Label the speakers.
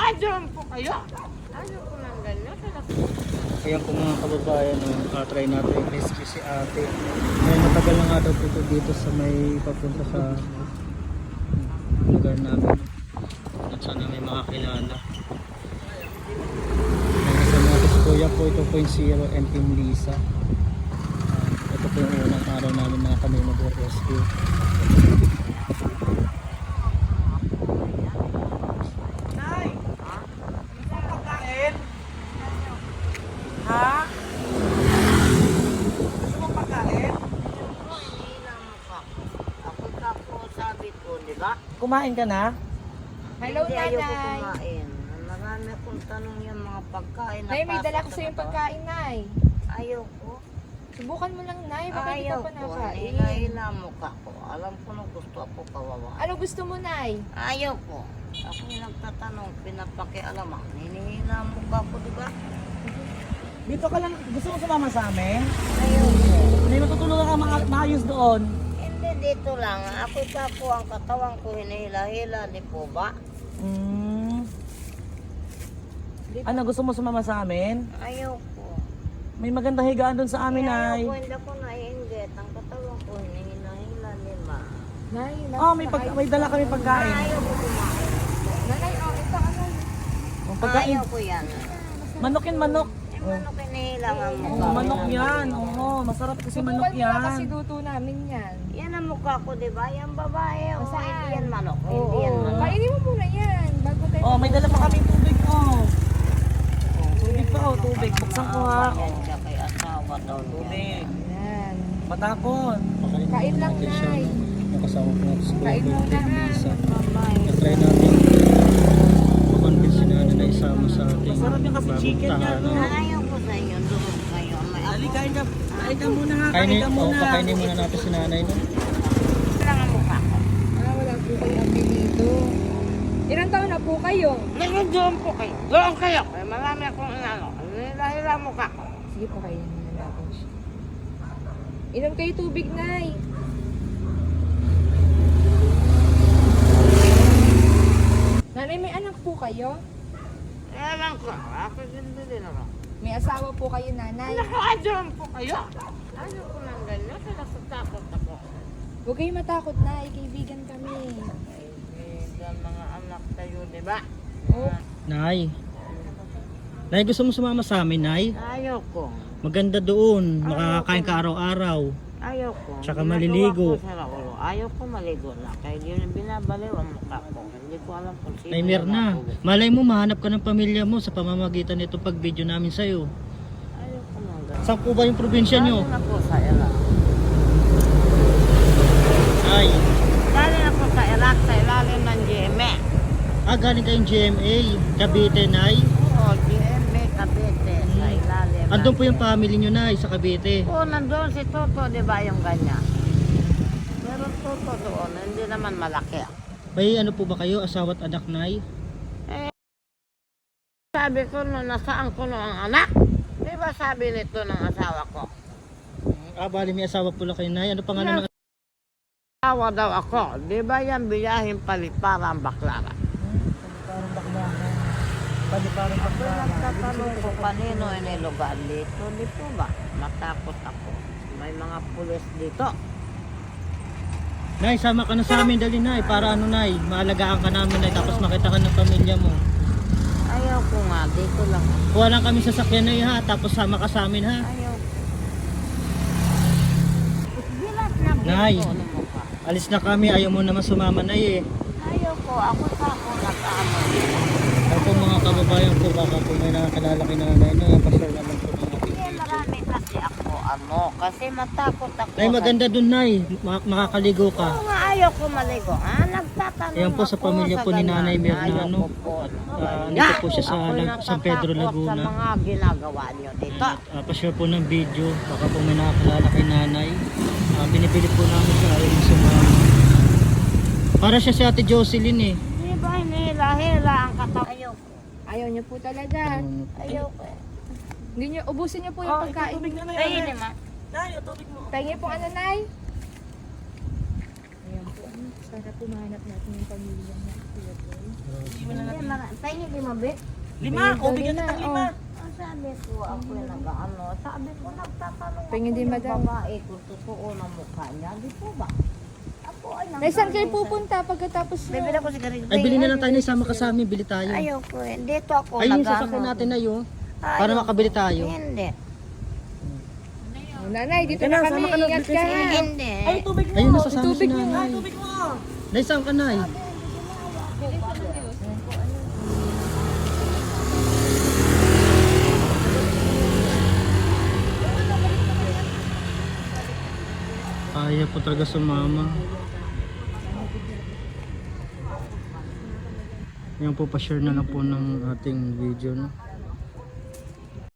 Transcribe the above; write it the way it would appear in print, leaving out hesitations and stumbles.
Speaker 1: Nakakadyan po kayo. Ano po ng ganyan?
Speaker 2: Ayan po mga kababayan, try natin i-rescue si ate. Ay, matagal na nga daw po ito dito sa may papunta sa lugar namin. At sana may makakilala. Kasama natin si Kuya po, ito po yung Zero and Team Lisa. Ito po yung unang araw namin na kami mag-rescue.
Speaker 1: Ha? Gusto mo pagkain?
Speaker 3: Ako ka po sabi ko, di ba?
Speaker 1: Kumain ka na?
Speaker 4: Hello,
Speaker 3: Hindi ayoko
Speaker 4: Nanay.
Speaker 3: kumain. Marami akong tanong yung mga pagkain.
Speaker 4: Nay, may
Speaker 3: Napasok
Speaker 4: dala ko
Speaker 3: na
Speaker 4: sa yung
Speaker 3: ba?
Speaker 4: pagkain, Nay.
Speaker 3: Ayoko.
Speaker 4: Subukan mo lang, Nay. Baka hindi ka
Speaker 3: Ayoko.
Speaker 4: pa nakain.
Speaker 3: Hila mo ka ko. Alam ko na gusto ako kawawa.
Speaker 4: Ano gusto mo, Nay?
Speaker 3: Ayoko. Ako yung nagtatanong, pinapakialaman. Hinihila mo ka ko, di ba?
Speaker 1: Dito ka lang, gusto mo sumama sa amin?
Speaker 3: Ayoko.
Speaker 1: May matutulungan ka maayos doon.
Speaker 3: Hindi dito lang. Ako ka po ang katawan ko hinihila-hila. Di po ba?
Speaker 1: Ano, gusto mo sumama sa amin?
Speaker 3: Ayoko.
Speaker 1: May magandang higaan doon sa amin, ay.
Speaker 3: Ayoko, hindi ako naiinggit. Ang katawan ko hinihila-hila, di ba?
Speaker 4: Nay,
Speaker 1: Oh, may dala kami pagkain.
Speaker 3: Ayoko kumain.
Speaker 4: Nanay, oh, ito, ano?
Speaker 1: Oh, pagkain.
Speaker 3: Ayoko yan.
Speaker 1: Manok yan, manok.
Speaker 3: Yung manok hinihilangan mo
Speaker 1: Oh, manok yan. Oo, masarap kasi manok
Speaker 4: Subukan mo na kasi
Speaker 1: yan.
Speaker 4: luto namin yan.
Speaker 3: Yan ang mukha ko, di ba? Yan babae. O,
Speaker 4: Saan?
Speaker 3: hindi yan manok.
Speaker 4: Oo.
Speaker 3: Hindi yan manok.
Speaker 4: Kainin mo muna yan. Bago tayo.
Speaker 1: Oh, may dala pa kaming tubig, oh. Tubig pa, oh, tubig. Buksan ko ha.
Speaker 3: Yan siya kay asawa daw.
Speaker 1: Tubig.
Speaker 4: Yan.
Speaker 1: Matakon.
Speaker 4: Kain lang, Nay.
Speaker 2: Nakasama ko natin si Kuya
Speaker 4: Kain
Speaker 2: po,
Speaker 4: muna,
Speaker 2: Team
Speaker 4: ha.
Speaker 2: Lisa.
Speaker 3: Babae.
Speaker 2: Na-try natin makonvince na na isama sa ating
Speaker 1: Masarap yung kasi chicken
Speaker 2: bagong
Speaker 1: yan, no?
Speaker 2: tahanan.
Speaker 3: Ayaw ko sa inyo. Doon kayo. May ako.
Speaker 1: Dali, kain ka muna ha. Kain
Speaker 2: Kainin,
Speaker 1: ka muna.
Speaker 2: pakainin muna natin si nanay, no?
Speaker 3: lang ang mukha ko.
Speaker 4: Wala po kayo apelido. Ilang taon na po kayo?
Speaker 3: Doon po kayo. Doon kayo. Marami akong inano. Hila-hila mukha ko.
Speaker 4: Sige po, kainin muna natin siya. Inom kayo tubig, Nay. Nanay, may anak po kayo?
Speaker 3: Ewan ko. Ako din ako.
Speaker 4: May asawa po kayo, Nanay.
Speaker 1: Nakakadyan po kayo.
Speaker 3: Ano ko ng ganyan? Nakatakot ako.
Speaker 4: Huwag kayo matakot, Nay. Kaibigan kami.
Speaker 3: Kaibigan mga anak tayo, di ba?
Speaker 4: Oh.
Speaker 2: Nay. Nay, gusto mo sumama sa amin, Nay?
Speaker 3: Ayaw ko.
Speaker 2: Maganda doon. Makakakain ka araw-araw.
Speaker 3: Ayaw ko.
Speaker 2: Tsaka
Speaker 3: Ginagawa
Speaker 2: maliligo.
Speaker 3: ko sa Raulo. Ayaw ko maligo na. Kaya yun binabaliw ang mukha ko. Hindi ko alam kung sino.
Speaker 2: Nay, Mirna. Malay mo, mahanap ka ng pamilya mo sa pamamagitan nito pag-video namin sa'yo.
Speaker 3: Ayaw ko nang gano'n.
Speaker 2: Saan po ba yung probinsya nyo?
Speaker 3: Galing ako sa Iraq.
Speaker 2: Ay.
Speaker 3: Galing ako sa Iraq sa ilalim ng GMA.
Speaker 2: Galing kayong GMA. Cavite, Nay.
Speaker 3: Oo, GMA Cavite sa ilalim.
Speaker 2: Andun po yung family nyo, Nay, sa Cavite.
Speaker 3: Oo, nandun si Toto, di ba yung ganyan? Pero Toto doon, hindi naman malaki.
Speaker 2: May ano po ba kayo? Asawa at anak, Nay?
Speaker 3: Sabi ko no, nasaan ko no ang anak? Di ba sabi nito ng asawa ko?
Speaker 2: Bali may asawa pula kayo, Nay. Ano pangalan ng
Speaker 3: Asawa daw ako. Di ba yan biyahin paliparang baklara?
Speaker 1: Parang baklaran. Parang baklaran.
Speaker 3: Nagtatanong ko kanino inilugar dito. Di po ba? Matakot ako. May mga pulis dito.
Speaker 2: Nay, sama ka na sa amin, dali, Nay. Para ano, Nay, maalagaan ka namin, Nay. Tapos makita ka ng pamilya mo.
Speaker 3: Ayaw ko nga. Dito lang.
Speaker 2: Kuha lang kami sa sakyan, Nay, ha. Tapos sama ka sa amin, ha.
Speaker 3: Ayaw ko. Bilat na
Speaker 2: Nay.
Speaker 3: bilat ko ng mukha.
Speaker 2: Alis na kami. Ayaw mo naman sumama, Nay, eh.
Speaker 3: Ayaw ko. Ako sa ako nag-aamoy.
Speaker 2: Ako po mga kababayan ko, baka po may nakakalala kay nanay, no? Pasal naman po ng ating
Speaker 3: Hindi,
Speaker 2: video.
Speaker 3: marami kasi ako kasi matakot ako.
Speaker 2: Nay, maganda dun, Nay. Makakaligo ka.
Speaker 3: Oo nga, ayaw ko maligo. Nagtatanong
Speaker 2: Ayan po sa
Speaker 3: ako
Speaker 2: pamilya po ni
Speaker 3: ganyan.
Speaker 2: Nanay Mirna,
Speaker 3: Ayaw
Speaker 2: ano?
Speaker 3: ko po.
Speaker 2: Nandito po siya sa
Speaker 3: Ako'y
Speaker 2: San Pedro,
Speaker 3: natatakot
Speaker 2: Laguna.
Speaker 3: sa mga ginagawa niyo dito.
Speaker 2: Pa-share po ng video. Baka po may nakakalala kay nanay. Binibili po namin siya. Ayaw mo sumama. Para siya si Ate Jocelyn, eh.
Speaker 3: Di ba hinihila-hila ang katawan? Ayaw ko.
Speaker 4: Ayaw niyo po talaga.
Speaker 3: Ayaw ko.
Speaker 4: Hindi niyo, ubusin niyo po yung pagkain.
Speaker 1: Tubig na
Speaker 3: Ay,
Speaker 1: yan.
Speaker 3: hindi ma.
Speaker 1: Nay, yung tubig mo.
Speaker 4: Pahingi po ano, Nay? Ayan po, ano. Sana po mahanap natin yung pamilya niya. Kuya Boy.
Speaker 3: Tayo di mabit.
Speaker 1: 5, o bigyan kita ng 5.
Speaker 3: Ang sabi ko, ako yung nag-ano. Sabi ko, nagtatanong
Speaker 4: Tingin din,
Speaker 3: yung
Speaker 4: madam.
Speaker 3: babae kung totoo na mukha niya. Di po ba? Ako ay
Speaker 4: Nay, saan kayo pupunta pagkatapos nyo?
Speaker 3: Bibili ako sigarilyo.
Speaker 2: Ay, bili na lang tayo na isama ka sa amin, bili tayo.
Speaker 3: Ayoko eh. Dito ako
Speaker 2: Ay, yung
Speaker 3: nag-ano.
Speaker 2: sasakyan natin na yun. Para
Speaker 3: Ayoko.
Speaker 2: makabili tayo.
Speaker 3: Hindi.
Speaker 4: Oh, nanay, dito
Speaker 1: Ika
Speaker 4: na
Speaker 1: na,
Speaker 4: kami.
Speaker 1: sama ka na,
Speaker 4: Ingat
Speaker 1: bigay
Speaker 4: ka.
Speaker 1: sa inyo.
Speaker 3: Hindi.
Speaker 1: Ay, tubig mo.
Speaker 2: Ayun, nasasama si
Speaker 4: Tubig mo.
Speaker 1: Ay,
Speaker 2: nanay.
Speaker 1: tubig mo.
Speaker 2: Nay, saan ka, Nay? Ayaw po talaga sumama. Yan po, pa-share na lang po ng ating video, no?